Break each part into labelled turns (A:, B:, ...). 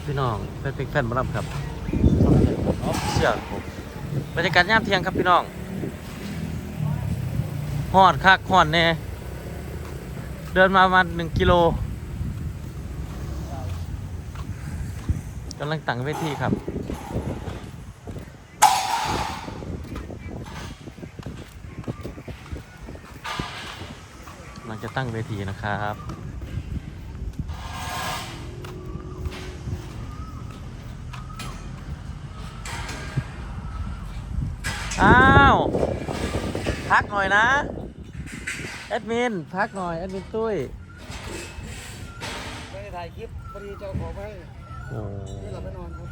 A: ครับพี่น้องเป็นแฟนบอลครับเชื่อผมบรรยากาศยามเที่ยงครับพี่น้องฮ้อนคักฮ้อนแน่เดินมาประมาณ1 กิโลกำลังตั้งเวทีครับกำลังจะตั้งเวทีนะครับอ้าวพักหน่อยนะแอดมินพักหน่อยแอดมินตุ้ย
B: ไม่ได้ถ่ายคลิปพอดีเจ้าของไป
A: โอ้
B: นี่เราไปนอนครับ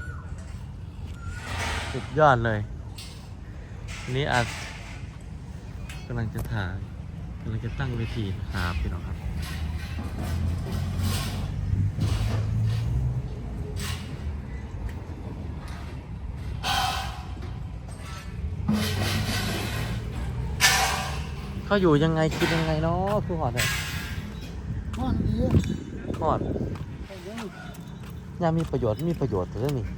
A: สุดยอดเลยนี่อาจกำลังจะถ่ายกำลังจะตั้งเวทีนะครับพี่น้องครับเขาอยู่ยังไงคิดยังไงเนาะคือหอดเลย
B: นอนดี
A: หอดยามีประโยชน์แต่เรื่องนี้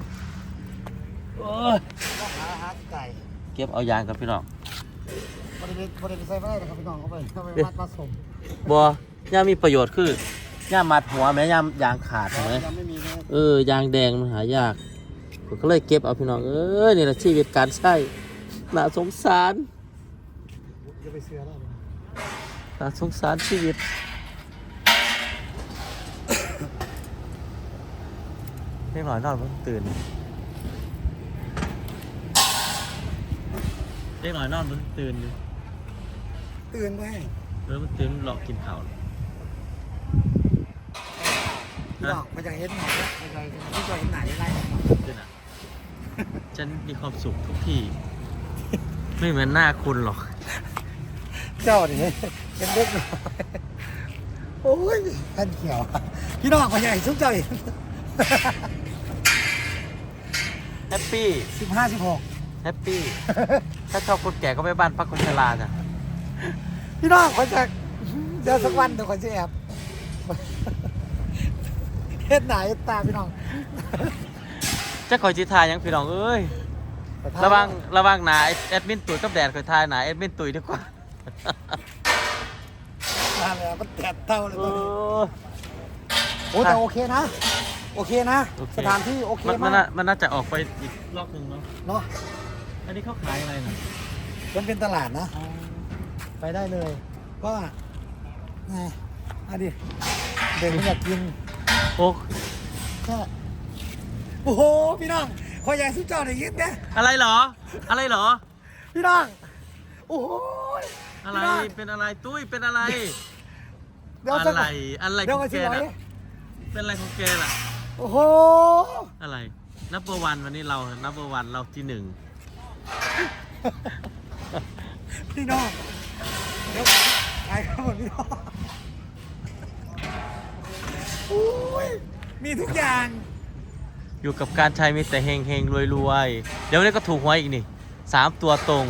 B: ต้องหาไก่
A: เก็บเอายางกับพี่น้อง
B: บริเวณใส่ไม่ได้นะครับพี่น้องเข้าไปมัดผสม
A: บัวยามีประโยชน์คือยามัดหัวแม้ยางขาดเห็นไหม
B: ยังไม่มีนะ
A: ยางแดงมันหายากผมก็เลยเก็บเอาพี่น้องนี่แหละชีวิตการใช้น่าสงสาร
B: จะไปเสือแล้ว
A: น่าสงสารชีวิตเล็กหน่อยนอนเพิ่งตื่นเล็กหน่อยนอนเพิ่งตื่น
B: ไป
A: มันตื่นหลอกกินข้าว
B: มันจะเห็นหน่อยที่จะเห็นไหนอะไร
A: ตื่นอ่ะฉันมีความสุขทุกที่ไม่เหมือนหน้าคุณหรอก
B: เจ้าดิเป็นเล็กหน่อยโอ้ยท่านเขียวพี่น้องมันใหญ่ชุบเจ้าอีก
A: แฮปปี้
B: 15-16
A: แฮปปี้ถ้าชอบคนแก่ก็ไปบ้านพักคนชราจ้ะ
B: พี่น้องเขาจะเดี๋ยวสักวันเดี๋ยวเขาจะแอบเฮ็ดไหนตาพี่น้อง
A: จะคอยจีทายยังพี่น้องเอ้ยระวังหนาแอดมินตุ๋ยกับแดดคอยทายหนาแอดมินตุ๋ยดีกว่า
B: อะไรมันแตะเท่าเลยโอ้แต่โอเคนะสถานที่โอเคมาก
A: มันน่าจะออกไปอีกรอบนึงเนาะอันนี้เขาขายอะไรนะ
B: มันเป็นตลาดนะไปได้เลยก็ไงดิเด็กมันอยากกิน
A: โอ้
B: โหพี่น้องคอยใหญ่สุดเจ้าได้ยินไหม
A: อะไรเหรอ
B: พี่น้องโอ้โห
A: อะไรเป็นอะไรตุ้ยเป็นอะไร
B: เดี๋ยว
A: อะไรของแกน่ะเป็นอะไรของแกล่ะ
B: โอ้โห
A: อะไรนับเบอร์วันวันนี้เรานับเบอร์วันเราที่1
B: พี่น้องเดี๋ยวไปครับพี่น้องโอ้ยมีทุกอย่าง
A: อยู่กับการใช้มีแต่เฮงรวยเดี๋ยวนี้ก็ถูกหวยอีกนี่3 ตัวตรง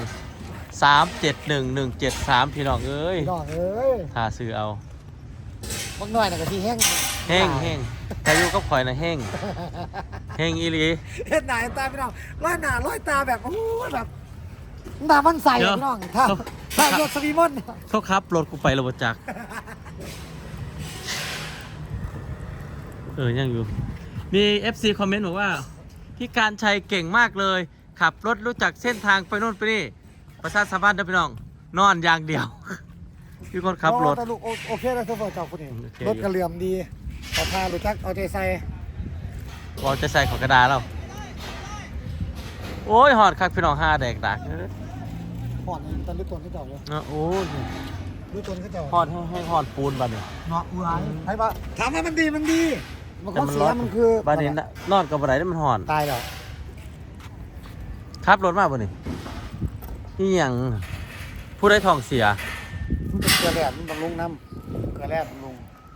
A: 371173พี่น้องเอ้ยถ้าซื้อเอา
B: บางหน่อยนะกะทิแห้ง
A: ถ้าอยู่กับข่อยนะแห้งอีหลี
B: เฮ็ดหน้าตาพี่น้องร้อยหน้าร้อยตาแบบโอ้แบบหน้ามันใสพี่น้องถ้ารถสวีมอน
A: เขาขับรถกูไประบบจักยังอยู่มี FC คอมเมนต์บอกว่าพี่การชัยเก่งมากเลยขับรถรู้จักเส้นทางไปโน่นไปนี่ประชาสัมพันธ์นะพี่น้องนอนอย่างเดียวพี่คนขับรถ
B: โอเคแล้วโซเฟอร์เจ้าคนนี้รถกระเหลี่ยมดีเอาผ้ารู้จักเอาใจใส่
A: ของกระดาษเราโอ้ยหอดคักพี่น้อง5 แดกดัก
B: หอดตอนลึกตนก็เจ้าเลย
A: โอ้ย
B: ลึกตนก็เจ้า
A: หอดให้หอดปูนบ้านเนี่ย
B: เนาะอุ้ยให้ปะถามว่ามันดีมันก็เสียมันคือ
A: บ้านนี้นอนกับอะไรได้มันหอด
B: ตายแล้ว
A: ขับรถมาบ่นี่นี่ยังผู้ได้ทองเสีย
B: มันเป็นเกลือแร่มันบำรุงน้ำเกลือแร่บำรุง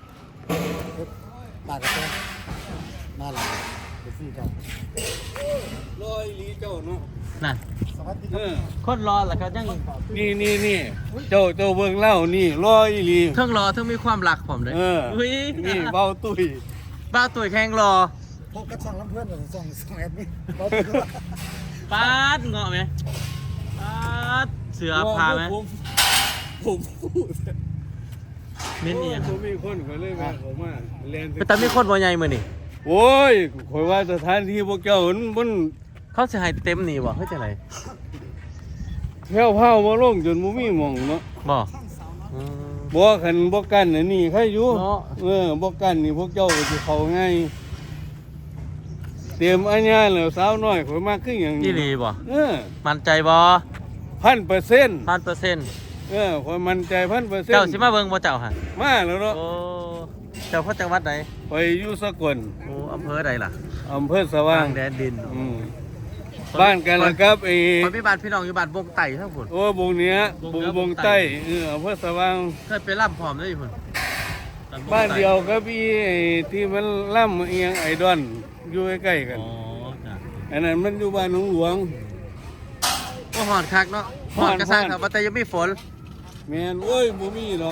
B: ตากระเตื้อน่ารักไปซี่เจ้า
C: 100 ลีเจ้าเนาะ
A: นั่นคนรอแหละครับยัง
C: นี่เจ้าเบิ่งเล่านี่100 ลี
A: ทั้งรอทั้งมีความรักผมเลย
C: นี่เบ้าตุ้ย
A: แข่งรอ
B: พบกับช่องลำเพื่อนกับช่องแอดมินบอก
A: ปาดเงาะไหมปาดเสือพาไหม
C: ผมพูด
A: มิ้นนี่ยัง
C: ผมมีคนเขาเลยมาผมมาเรียน
A: ไปแต่มีคนบ่ใหญ่มื้อนี่
C: โอ้ยคอยว่าสถานที่พวกเจ้ามัน
A: เขาสิให้เต็มนี่บ่เฮ้ยจังได๋
C: แผ่วเผามาลงจนบ่มีหม่องเนาะ
A: บ่อืม
C: บ่คันบ่กันอันนี้ใครอยู่
A: เนาะ
C: บ่กันนี่พวกเจ้าก็สิเข้าง่ายเตรียมอันยาแล้วสาวน้อยข่อยมาคือหยัง
A: อีหลีบ่ มั่นใจบ่
C: 1,000%
A: 1,000%
C: ข่อยมั่นใจ 1,000%
A: เจ้าสิมาเบิ่งบ่เจ้าฮะ
C: มาแล้วเนาะ
A: โอ้เจ้าพ่อจังหวัดใด
C: ไปอยู่สกล
A: โอ้อำเภอใดล่ะ
C: อำเภอสว่าง
A: แดนดิน
C: บ้านกันละครับไอ้
A: คนมีบ้านพี่น้องอยู่บ้านบงไต่ทั้งพุ่น
C: โอ้บงเนี้ย
A: บงเหนือบ
C: ง
A: ง
C: ใต้
A: ใต้
C: อำเภอสว่าง
A: เคยไปร่ำพร้อมได้อยู่พุ่น
C: บ้านเดียวกับพี่ไอ้ที่มันล่ำเอียงไอดอนอยู่ใกล้ๆกัน
A: อ๋อจ้ะ
C: อันนั้นมันอยู่บ้านหนองหลวง
A: โอ้หอนคักเนาะหอนกระซังครับว่าแต่ยังมีฝน
C: แม่นโอ้ยบ่มีหรอก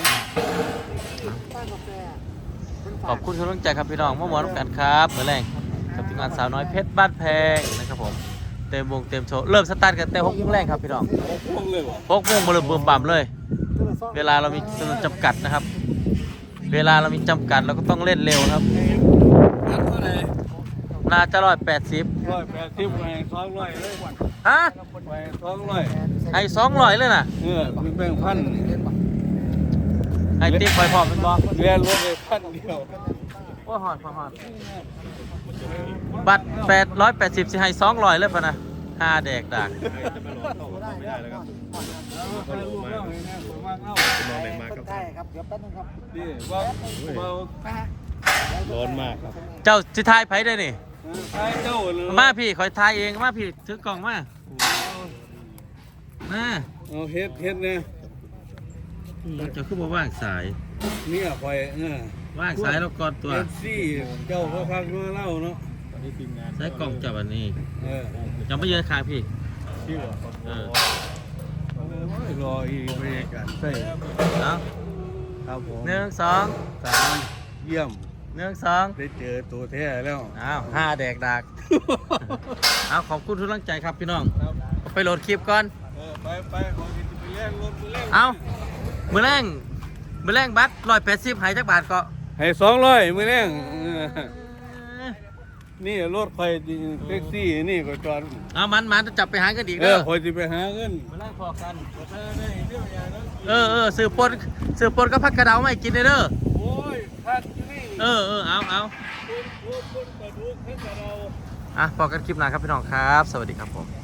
A: ขอบคุณทุกกำลังใจครับพี่น้องมาหมวนกันครับมื้อแรงกับทีมงานสาวน้อยเพชรบ้านแพงนะครับผมเต็มวงเต็มโชว์เริ่มสตาร์ทกันแต่6โมงแรงครับพี่น้อง
C: พวกเลยบ่
A: 6โมงบ่เริ่มบึมบ่ํเลย เวลาเรามีจำนวนจำกัดนะครับ เวลาเรามีจำกัดเราก็ต้องเล่นเร็วครับ
C: อันเท่าไหร่
A: น่าจะ180
C: 180ไป200เลย
A: ฮะ
C: ไป200
A: ให้200เลยน่ะ
C: มีแบ่งพัน
A: ให้ติ๊กไปพร้อมเป็นบ่
C: เรียนรถเลยพันเดียว
A: โอ้หอนหอนบัตร880สิให้200เลยป่ะนะ5แดกดาก
B: ได้ครับเดี๋ยวแป๊บนึงครับ
C: นี่ว่าเบา
D: ร้อนมากครับ
A: เจ้าสิทายไผได้นี่
C: ใช้เจ้าเลย
A: มาพี่ขอยทายเองมาพี่ถือกล่องมามา
C: เอาเฮ็ดเนี่ย
A: เจ้าคือบ่ว่างสาย
C: เนี่ยคอย
A: ว่างสายแล้วก่อนตัว
C: เอฟซีเจ้าเขาพักมาเล่าเนาะ
D: ตอนนี้ทีมงาน
A: ใช้กล่องจับอันนี้
C: เออ
A: จะไม่ยืนข้างพี่
D: ชื่อ
A: เออ
C: รออีกบรรยากาศใช่
A: เอา
C: ครับผม
A: 1 2
C: 3เยี่ยม
A: 1 2
C: ได้เจอตัวแท้แล้ว
A: อ้าว5แดกดากเอาขอบคุณทุกกำลังใจครับพี่น้องไปโหลดคลิปก่อน
C: ไปขอกินไปเล่นรถไปเล่น
A: เอามือแรงบัตร180หายจักบาทก็
C: ให้200มื้อแรงนี่รถไฟแท็กซี่นี่ก็จอด
A: เอามันจะจับไปหากันอีก
C: เอ
A: เด้
C: อ
A: อ
C: คอยสิไปหาเงิน
A: มือแรงพอกันสื่อปนก็พักกระเดาไม่กินเด้อ
C: โอ้ยคัดนี่
A: เอา
C: คนปลาดุกให้กับเรา
A: พอกันคลิปหน้าครับพี่น้องครับสวัสดีครับผม